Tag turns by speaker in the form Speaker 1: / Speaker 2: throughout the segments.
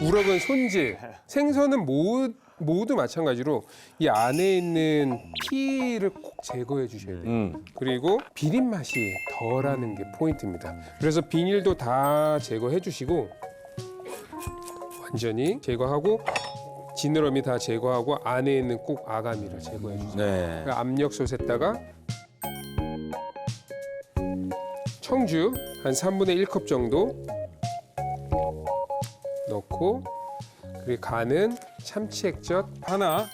Speaker 1: 우럭은 손질, 생선은 모두 마찬가지로 이 안에 있는 피를 꼭 제거해 주셔야 돼요. 그리고 비린 맛이 덜하는 게 포인트입니다. 그래서 비닐도 다 제거해 주시고 완전히 제거하고 지느러미 다 제거하고 안에 있는 꼭 아가미를 제거해 주세요.
Speaker 2: 네.
Speaker 1: 압력솥에다가 청주 한 3분의 1컵 정도 넣고 그리고 간은 참치 액젓 하나,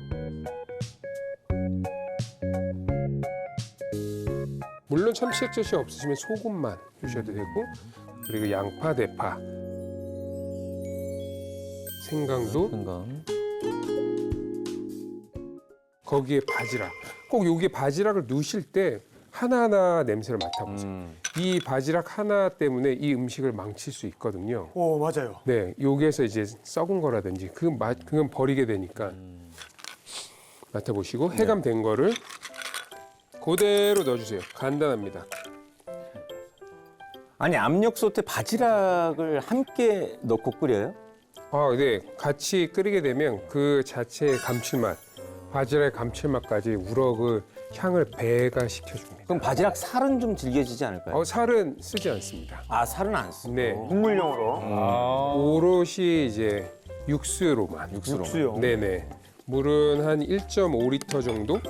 Speaker 1: 물론 참치 액젓이 없으시면 소금만 주셔도 되고, 그리고 양파, 대파, 생강도,
Speaker 2: 생강.
Speaker 1: 거기에 바지락. 꼭 여기 바지락을 넣으실 때 하나하나 냄새를 맡아보세요. 이 바지락 하나 때문에 이 음식을 망칠 수 있거든요.
Speaker 3: 오, 맞아요.
Speaker 1: 네, 여기에서 이제 썩은 거라든지 그건 버리게 되니까 맡아보시고 해감된 거를 그대로 넣어주세요. 간단합니다.
Speaker 2: 아니 압력솥에 바지락을 함께 넣고 끓여요?
Speaker 1: 아, 네, 같이 끓이게 되면 그 자체의 감칠맛, 바지락의 감칠맛까지 우럭을 향을 배가시켜줍니다.
Speaker 2: 그럼 바지락 살은 좀 질겨지지 않을까요?
Speaker 1: 살은 쓰지 않습니다.
Speaker 2: 아 살은 안 쓰고.
Speaker 1: 네,
Speaker 3: 국물용으로.
Speaker 1: 오롯이 이제 육수로만.
Speaker 3: 육수용.
Speaker 1: 네네. 물은 한 1.5리터 정도.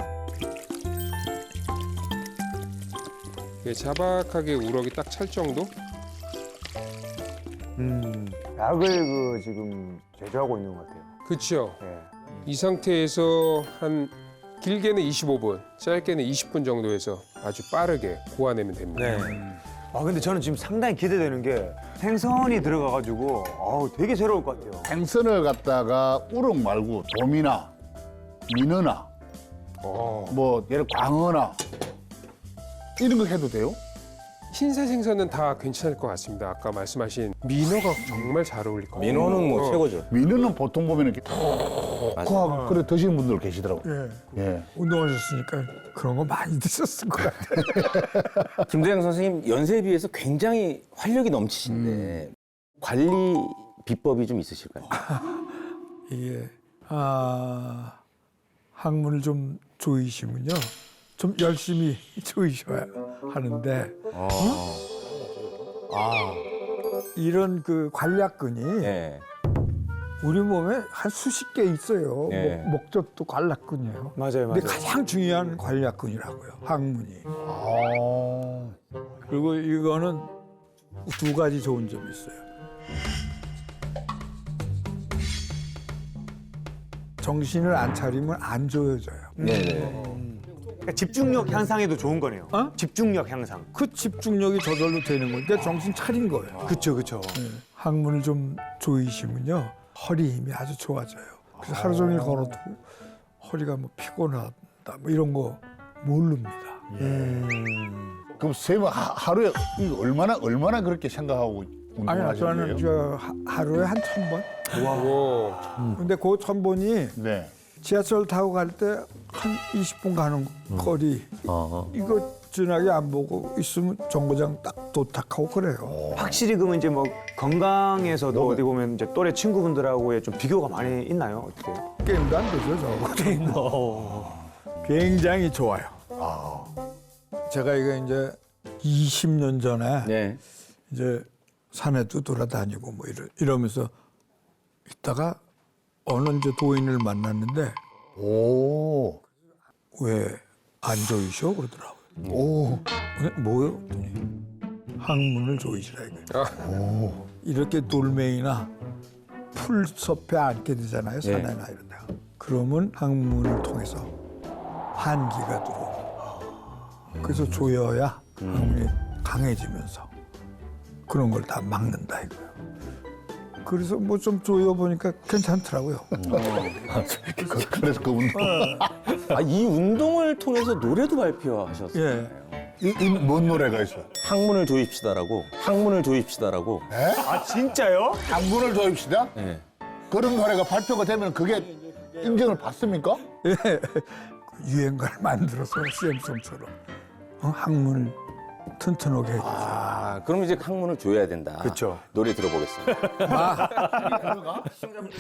Speaker 1: 네, 자박하게 우럭이 딱 찰 정도.
Speaker 3: 약을 지금 제조하고 있는 것 같아요.
Speaker 1: 그렇죠.
Speaker 3: 네.
Speaker 1: 이 상태에서 한 길게는 25분, 짧게는 20분 정도에서 아주 빠르게 고아내면 됩니다.
Speaker 3: 아, 근데 저는 지금 상당히 기대되는 게 생선이 들어가가지고 되게 새로울 것 같아요.
Speaker 4: 생선을 갖다가 우럭 말고 도미나 민어나 뭐 예를 광어나 이런 거 해도 돼요?
Speaker 1: 흰살 생선은 다 괜찮을 것 같습니다. 아까 말씀하신 민어가 정말 잘 어울릴 것 같아요.
Speaker 2: 민어는 뭐 최고죠.
Speaker 4: 민어는 보통 보면 이렇게 톡하고 그래 드시는 분들 계시더라고요. 예.
Speaker 5: 운동하셨으니까 그런 거 많이 드셨을 것 같아요.
Speaker 2: 김대영 선생님 연세에 비해서 굉장히 활력이 넘치신데 관리 비법이 좀 있으실까요?
Speaker 5: 이게 학문을 좀 조이시면요, 좀 열심히 조이셔야 하는데 이런 그 관략근이
Speaker 2: 네.
Speaker 5: 우리 몸에 한 수십 개 있어요.
Speaker 2: 네.
Speaker 5: 목젖도 관략근이에요.
Speaker 3: 맞아요,
Speaker 5: 근데
Speaker 3: 맞아요.
Speaker 5: 가장 중요한 관략근이라고요, 학문이.
Speaker 4: 아.
Speaker 5: 그리고 이거는 두 가지 좋은 점이 있어요. 정신을 안 차리면 안 조여져요.
Speaker 2: 네네.
Speaker 3: 그러니까 집중력 향상에도 좋은 거네요. 집중력 향상.
Speaker 5: 그 집중력이 저절로 되는 거니까 정신 차린 거예요.
Speaker 3: 그쵸, 그쵸.
Speaker 5: 항문을 좀 조이시면요, 허리 힘이 아주 좋아져요. 그래서 하루 종일 걸어도 허리가 뭐 피곤하다 뭐 이런 거 모릅니다.
Speaker 4: 그럼 쌤은 하루에 이거 얼마나 그렇게 생각하고
Speaker 5: 아니,
Speaker 4: 운동하시는
Speaker 5: 저는
Speaker 4: 거예요?
Speaker 5: 하루에 한 1,000번.
Speaker 1: 오.
Speaker 5: 근데 그 1,000번이
Speaker 4: 네.
Speaker 5: 지하철 타고 갈 때 한 20분 가는 거리. 이거 지나게 안 보고 있으면 정거장 딱 도착하고 그래요.
Speaker 3: 확실히 그러면 이제 뭐 건강에서도 어디 보면 이제 또래 친구분들하고의 좀 비교가 많이 있나요? 어떻게?
Speaker 5: 게임도 안 되죠, 저거. 굉장히 좋아요. 제가 이거 이제 20년 전에
Speaker 2: 네.
Speaker 5: 이제 산에도 돌아다니고 뭐 이러면서 있다가 어느 이제 도인을 만났는데
Speaker 4: 오.
Speaker 5: 왜 안 조이셔 그러더라고요.
Speaker 4: 오.
Speaker 5: 뭐요? 그랬더니 항문을 조이시라 이거예요. 이렇게 돌멩이나 풀숲에 앉게 되잖아요, 산에나 이런 데가. 그러면 항문을 통해서 한기가 들어오고 그래서 조여야 항문이 강해지면서 그런 걸 다 막는다 이거예요. 그래서 뭐 좀 조여보니까 괜찮더라고요.
Speaker 4: 그래서 그 운동.
Speaker 2: 이 운동을 통해서 노래도 발표하셨어요.
Speaker 5: 예.
Speaker 4: 뭔 노래가 있어요?
Speaker 2: 학문을 조입시다라고. 학문을 조입시다라고.
Speaker 3: 아, 진짜요?
Speaker 4: 당분을 조입시다?
Speaker 2: 네.
Speaker 4: 그런 노래가 발표가 되면 그게 인정을 받습니까?
Speaker 5: 예. 유행가를 만들어서 CM송처럼 항문을 튼튼하게 해주죠.
Speaker 2: 그럼 이제 항문을 조여야 된다.
Speaker 3: 그쵸.
Speaker 2: 노래 들어보겠습니다.